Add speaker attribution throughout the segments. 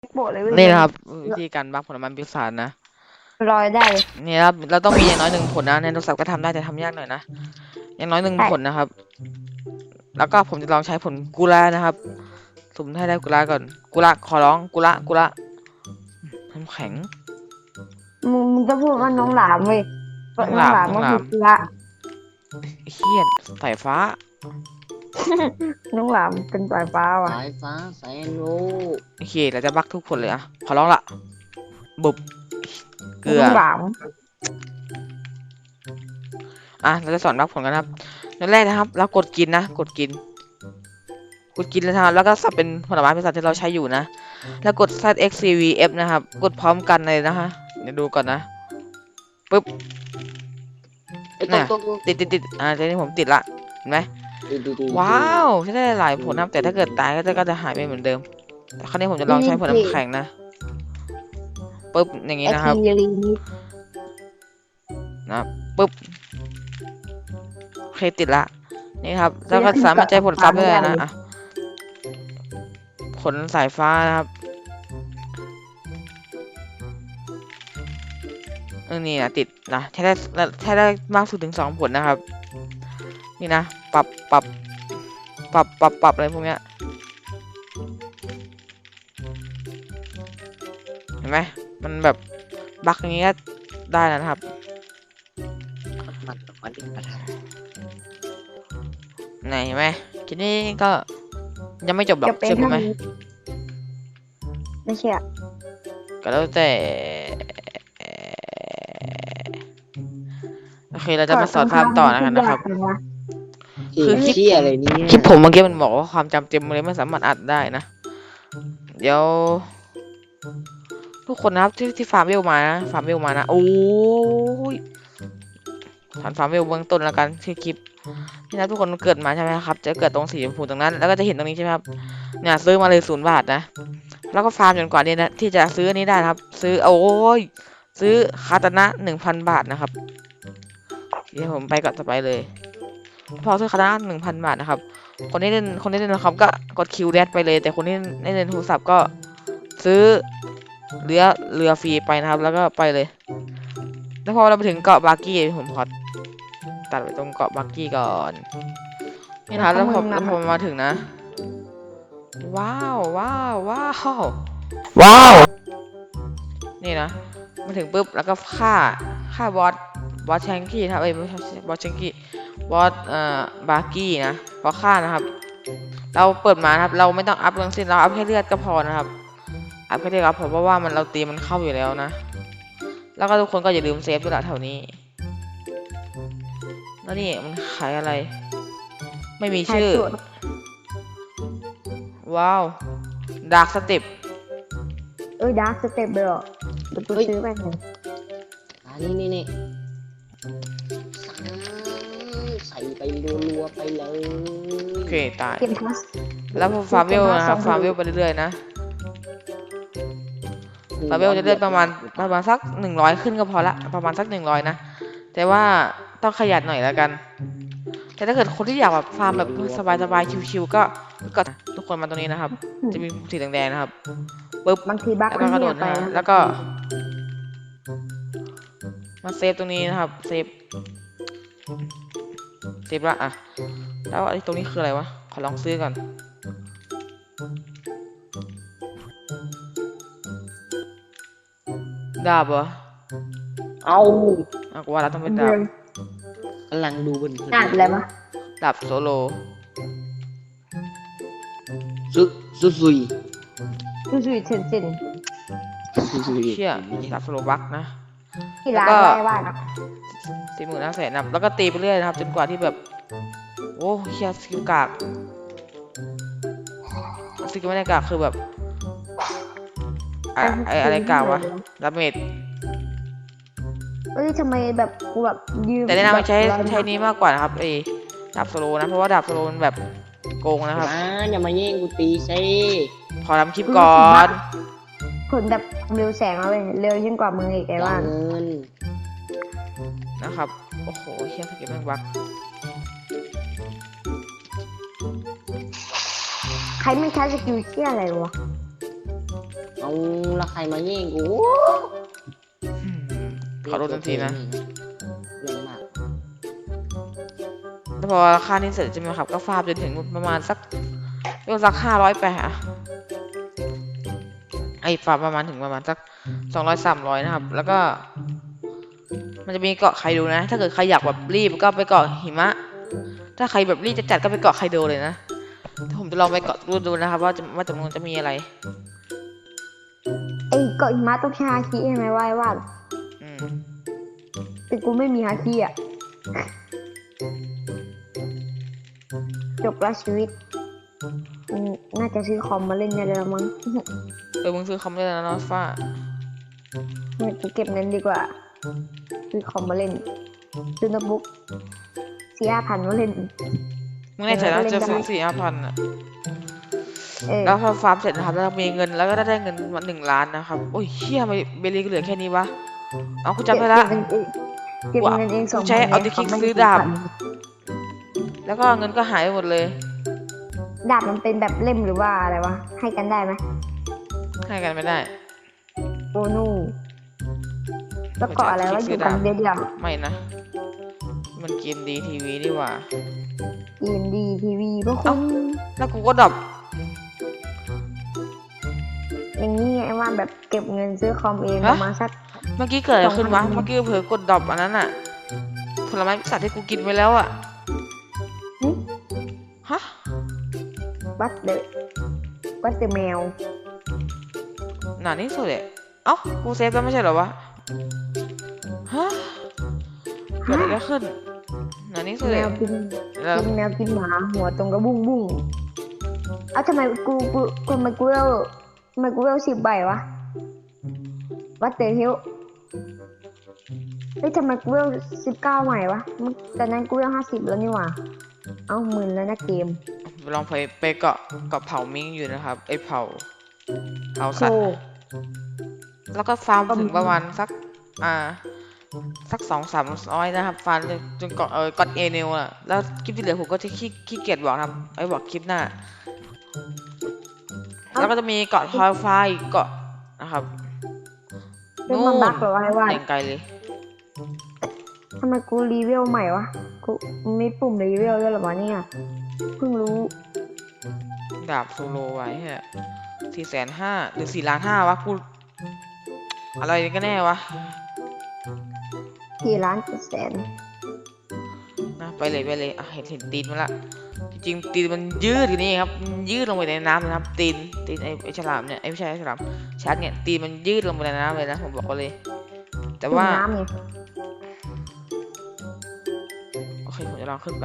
Speaker 1: โบะเลยเว้ย
Speaker 2: นี่
Speaker 1: มัน
Speaker 2: นะครับวิธีการบักผลไม้ปีศาจนะ
Speaker 1: ลอยได้เลย
Speaker 2: นี่ครับเราต้องมีอย่างน้อย1 ผลนะในโทรศัพท์ก็ทำได้แต่ทำยากหน่อยนะอย่างน้อย1 ผล
Speaker 1: ใช่
Speaker 2: นะครับแล้วก็ผมจะลองใช้ผลกุลานะครับสุ่มให้ได้กุลาก่อนกุลาขอร้องกุลาน้ำแข็ง
Speaker 1: มึงจะพูดว่าน้องหลามเว้ยเพราะน้องหลามก็คือเกลือ
Speaker 2: เฮียดสายฟ้า
Speaker 1: น้องหลามเป็นสายฟ้าว่ะ
Speaker 3: สายฟ้าแสนรู้
Speaker 2: โอเคเราจะบักทุกผลเลยอะขอร้องละบุบเกลือ
Speaker 1: น้องหลาม
Speaker 2: เราจะสอนบักผลกันครับอย่างแรกนะครับเรากดกินนะกดกินเลยนะครับแล้วก็สับเป็นผลไม้ปีศาจที่เราใช้อยู่นะแล้วกด ZXCVF นะครับกดพร้อมกันเลยนะฮะเดี๋ยวดูก่อนนะปึ๊บ
Speaker 3: ไอ้ต
Speaker 2: น่ะ
Speaker 3: กตก
Speaker 2: ติดตอนนี้ผมติดละเห็นไหม
Speaker 3: ดู
Speaker 2: ว้าวใช้ได้หลายผลนะครับแต่ถ้าเกิดตายก็จะหายไปเหมือนเดิมแต่ครั้งนี้ผมจะลองใช้ผลน้ำแข็งนะปึ๊บอย่างนี้นะครับ
Speaker 1: ลีนิด
Speaker 2: นะปึ๊บโอเคติดละนี่ครับแล้วก็สามารถใช้ผลซับได้เลยนะอ่ะผลสายฟ้านะครับนี่นะติดนะใช้ได้มากสุดถึง2 ผลนะครับนี่นะปรับอะไรพวกเนี้ยเห็นไหมมันแบบบั๊กอย่างงี้ก็ได้แล้วนะครับ
Speaker 3: มันเป็นประธาน
Speaker 2: ไหนเห็นไหมทีนี้ก็ยังไม่จบหรอก
Speaker 1: จะเป็น
Speaker 2: เชื่อผมไหม
Speaker 1: ไม่ใช่อะ
Speaker 2: ก็แล้วแต่โอเคเราจะมาสอนภาพต่อนะครับ คือคลิป
Speaker 3: เชี่ยอะไรเนี่ย
Speaker 2: คลิปผมเมื่อกี้มันบอกว่าความจำเต็มเลยไม่สามารถอัดได้นะเดี๋ยวทุกคนนะครับที่ฟาร์มเวลมานะโอ้ยฐานฟาร์มเวลเบื้องต้นแล้วกันที่คลิปนี่นะทุกคนเกิดมาใช่ไหมครับจะเกิดตรงสีชมพูตรงนั้นแล้วก็จะเห็นตรงนี้ใช่ไหมครับเนี่ยซื้อมาเลย0 บาทนะแล้วก็ฟาร์มจนกว่านี้นะที่จะซื้ออันนี้ได้นะครับซื้อโอ้ยซื้อคาตานะ1,000 บาทนะครับเดี๋ยวผมไปก่อนต่อไปเลยพอซื้อคาตานะ1,000 บาทนะครับคนที่เล่นนะครับก็กดคิวแดดไปเลยแต่คนที่เล่นโทรศัพท์ก็ซื้อเรือฟรีไปนะครับแล้วก็ไปเลยแล้วพอเราไปถึงเกาะบาร์กี้ผมขอตัดไปตรงเกาะบาร์กี้ก่อนนี่นะครับแล้วพอมาถึงนะว้าวนี่นะมาถึงปุ๊บแล้วก็ฆ่าบอสแชงกี้นะครับไม่ใช่บอสแชงกี้บอสบาร์กี้นะพอฆ่านะครับเราเปิดมานะครับเราไม่ต้องอัพเรื่องสิ้นเราอัพแค่เลือดก็พอนะครับอัพแค่เลือดก็พอเพราะว่าเราตีมันเข้าอยู่แล้วนะแล้วก็ทุกคนก็อย่าลืมเซฟด้วยละแถวนี้แล้วนี่มันขายอะไรไม่มีชื่อว้าวดาร์กสเต็ป
Speaker 1: ดาร์กสเต็ปเลยเหรอเดี๋ยวกูซื้อไปหน่อย
Speaker 3: นี่ใส่ไปรัวๆไปเลย
Speaker 2: โอเคตาย
Speaker 1: เกมพลัส
Speaker 2: แล้วพอฟาร์มเวลนะครับฟาร์มเวลไปเรื่อยๆนะฟาร์มเวลจะเลื่อนประมาณสัก100ขึ้นก็พอละประมาณสัก100นะแต่ว่าต้องขยันหน่อยแล้วกันแต่ถ้าเกิดคนที่อยากแบบฟาร์มแบบสบายๆชิวๆก็ทุกคนมาตรงนี้นะครับ จะมีสีแดงๆนะครับปึ๊บบ
Speaker 1: างทีบั๊ก
Speaker 2: แล้ว
Speaker 1: มัน
Speaker 2: ก็กระโด
Speaker 1: เงีย
Speaker 2: ด
Speaker 1: บไป
Speaker 2: นะ
Speaker 1: นะ
Speaker 2: แล้วก็มาเซฟตรงนี้นะครับเซฟละอ่ะแล้วไอ้ตรงนี้คืออะไรวะขอลองซื้อก่อนดาบเหรอ
Speaker 3: เอา
Speaker 2: กูว่าเราต้องเป็นดาบ
Speaker 3: กำลังดูบน
Speaker 1: ดาบอะไรวะ
Speaker 2: ดาบโซโล
Speaker 3: ซุย
Speaker 1: ดูสุดเซนเซน
Speaker 2: เชี่ยดาบโซโลบักนะ
Speaker 1: ที่ร้าน
Speaker 2: แล้วก็
Speaker 1: ได้ว่านะ
Speaker 2: 45,000นะแล้วก็ตีไปเรื่อยนะครับจนกว่าที่แบบโอ้เชี่ยสกิลกากสกิลไม่ได้กากคือแบบอะไรกากวะดาเมจ
Speaker 1: ทำไมแบบกูแบบยืม
Speaker 2: แต่แนะนำให้ใช้นี้มากกว่านะครับดาบโซโลนะเพราะว่าดาบโซโลมันแบบโกงนะครับ
Speaker 3: อย่ามาแย่งกูตีซิ
Speaker 2: ขอทำคลิปก่อน
Speaker 1: ผลแบบเร็วแสงเอาเลยเร็วยิ่งกว่ามึงอีกไอ้ว่าน
Speaker 3: เงิน
Speaker 2: นะครับโอ้โหเชี่ยสกิลแม่งบัก
Speaker 1: ใครไม่ใช้สกิลเชี่ยอะไรวะ
Speaker 3: เอาและใครมาแย่งกู
Speaker 2: ขอโทษทันทีนะ
Speaker 3: แรงมาก
Speaker 2: แล้วพอค่านี้เสร็จใช่ไหมครับก็ฟาร์มจนถึงประมาณสักเรียกว่าสัก500ไปอะไอ้ฟาร์มประมาณถึงประมาณสัก200-300นะครับ แล้วก็ มันจะมีเกาะไคโดนะ ถ้าเกิดใครอยากแบบรีบก็ไปเกาะหิมะ ถ้าใครแบบรีบจะจัดก็ไปเกาะไคโดเลยนะผมจะลองไปเกาะดูนะครับว่าจำนวนจะมีอะไร
Speaker 1: ไอ้เกาะหิมะต้องใช้ฮาคิใช่ไหมว่า
Speaker 2: อืม
Speaker 1: แต่กูไม่มีฮาคิอ่ะจบละชีวิตน่าจะซื้อคอมมาเล่นได้แล้วมั้ง
Speaker 2: มึงซื้อคอมได้แล้วนะฟ้า
Speaker 1: เนี่ยกูเก็บเงินดีกว่าซื้อคอมมาเล่นซื้อโน้ตบุ๊ก4,000-5,000มาเล่น
Speaker 2: มึงแน่ใจนะจะซื้อ4-5,000อะแล้วพอฟาร์มเสร็จนะครับแล้วมีเงินแล้วก็ได้เงินมา1 ล้านนะครับโอ้ยเชี่ยไม่เบลลี่ก็เหลือแค่นี้วะเอากูจำไปละ
Speaker 1: เก็บเงินเอง2,000
Speaker 2: ใช้เอาที่คลิกซื้อดาบ แล้วก็เงินก็หายไปหมดเลย
Speaker 1: ดาบมันเป็นแบบเล่มหรือว่าอะไรวะให้กันได้ไหม
Speaker 2: ให้กันไม่ได้
Speaker 1: โอ้นูแล้วเกาะอะไรวะอยู่กันเดียว
Speaker 2: ไม่นะ มันเกมดีทีวีดีกว่า
Speaker 1: เกมดีทีวีพวกคุณ
Speaker 2: แล้วกูก็ดับ
Speaker 1: อย่างนี้ไงว่าแบบเก็บเงินซื้อคอมเองประมาณสัก
Speaker 2: เมื่อกี้เกิดอะไรขึ้นวะ
Speaker 1: 2,000
Speaker 2: เมื่อกี้เผลอกดดับอันนั้นอะผลไม้พิศาจที่กูกินไปแล้วอะฮะ
Speaker 1: วัดเดอะแมว
Speaker 2: หนานี่สุดเลยเอ้ากูเซฟแล้วไม่ใช่เหรอวะฮะเกิดอะไรขึ้นหนานี่สุด
Speaker 1: แม
Speaker 2: เลยว
Speaker 1: กิน
Speaker 2: แล้ว
Speaker 1: แมวกินหมาหัวตรงกระบุ้งบุ้งเอ้าทำไมกูมากูเวล10 ใบวะวัดเดอะฮิลเฮ้ยทำไมกูเวล19 ใหม่วะตอนนั้นกูเวล50แล้วนี่หว่าเอ้ามึนแล้วนะเกม
Speaker 2: ลองไปเกาะเผามิงอยู่นะครับไอเผาสั
Speaker 1: โช
Speaker 2: ตว์
Speaker 1: ว์
Speaker 2: แล้วก็ฟาร์มถึงประมาณสัก200-300นะครับฟาร์มจนเกาะกอดเอเนลอะแล้วคลิปที่เหลือผมก็จะขี้เกียจบอกนะครับไว้บอกคลิปหน้า แล้วก็จะมีเกาะทอยฟ้าอีกเกาะนะครับ
Speaker 1: เป็นมันบักเหรอวะไอ้ว่า
Speaker 2: อย่างไกลเลย
Speaker 1: ทำไมกูรีเวลใหม่วะกูมีปุ่มรีเวลด้วยเหรอวะเนี่ยเพิ่งรู้
Speaker 2: ดาบโซโลไว้ฮะ450,000หรือ4,500,000วะกูอะไรกันแน่วะ
Speaker 1: 4,700,000
Speaker 2: นะไปเลยอ่ะเห็นตีนมันละจริงๆตีนมันยืดอยู่นี่ครับมันยืดลงไปในน้ำนะครับตีนไอ้ฉลามเนี่ยไอ้ไม่ใช่ไอ้ฉลามชักเนี่ยตีนมันยืดลงไปในน้ำเลยนะผมบอกเลย แต่ว่า
Speaker 1: น้ำไง
Speaker 2: โอเคผมจะลองขึ้นไป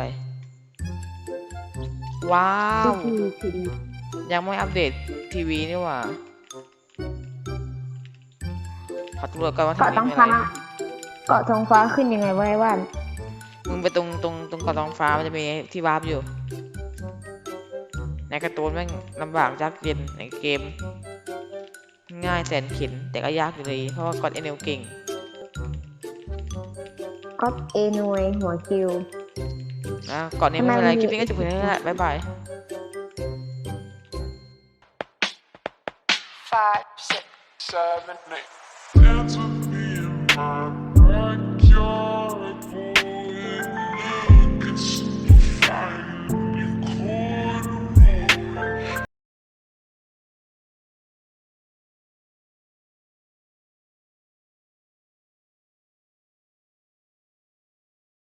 Speaker 2: ว้าว
Speaker 1: คือ
Speaker 2: ยังไม่อัปเดตทีวีนี่หว่าขอตำรวจก่อนว่า
Speaker 1: เกาะ
Speaker 2: ทำ
Speaker 1: ท้อง
Speaker 2: มีอะ
Speaker 1: ฟ้า
Speaker 2: ไร
Speaker 1: เกาะท้องฟ้าขึ้นยังไงวะไอ้ว่าน
Speaker 2: มึงไปตรงเกาะท้องฟ้ามันจะมีที่วาร์ปอยู่ ในการ์ตูนแม่งลำบากยากเย็นในเกม ง่ายแสนเข็ญแต่ก็ยากอยู่เลยเพราะว่าก่อนเอเนลเก่ง
Speaker 1: ก็เอนวยหัวคิว
Speaker 2: นะก่อนนี้ไม่เป็นไรคลิปนี้ก็จบเพียงเท่านี้แหละบ๊ายบาย
Speaker 4: 5, 6, 7, 8.